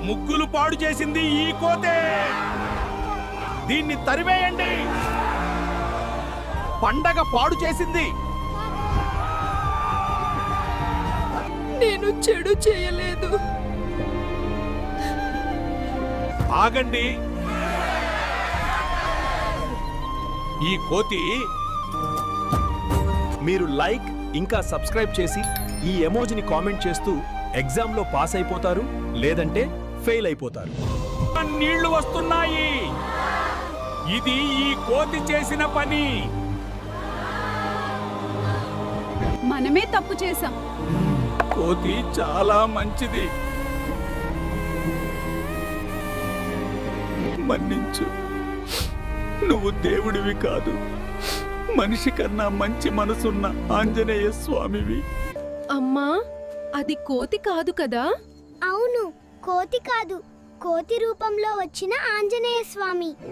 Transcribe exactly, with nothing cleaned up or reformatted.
ముగ్గులు పాడు చేసింది ఈ కోతే. దీన్ని తరివేయండి. పండగ పాడు చేసింది. నేను చెడు చేయలేదు. ఆగండి. ఈ కోతి మీరు లైక్ ఇంకా సబ్స్క్రైబ్ చేసి ఈ ఎమోజిని కామెంట్ చేస్తూ ఎగ్జామ్లో పాస్ అయిపోతారు, లేదంటే ఫెయిల్ అయిపోతారు. నీళ్లు వస్తున్నాయి. ఇది ఈ కోతి చేసిన పని. మనమే తప్పు చేశాం. కోతి చాలా మంచిది. మన్నించు. నువ్వు దేవుడివి కాదు, మనిషి కన్నా మంచి మనసున్న ఆంజనేయ స్వామివి. అమ్మా, అది కోతి కాదు కదా? అవును, కోతి కాదు, కోతి రూపంలో వచ్చిన ఆంజనేయ స్వామి.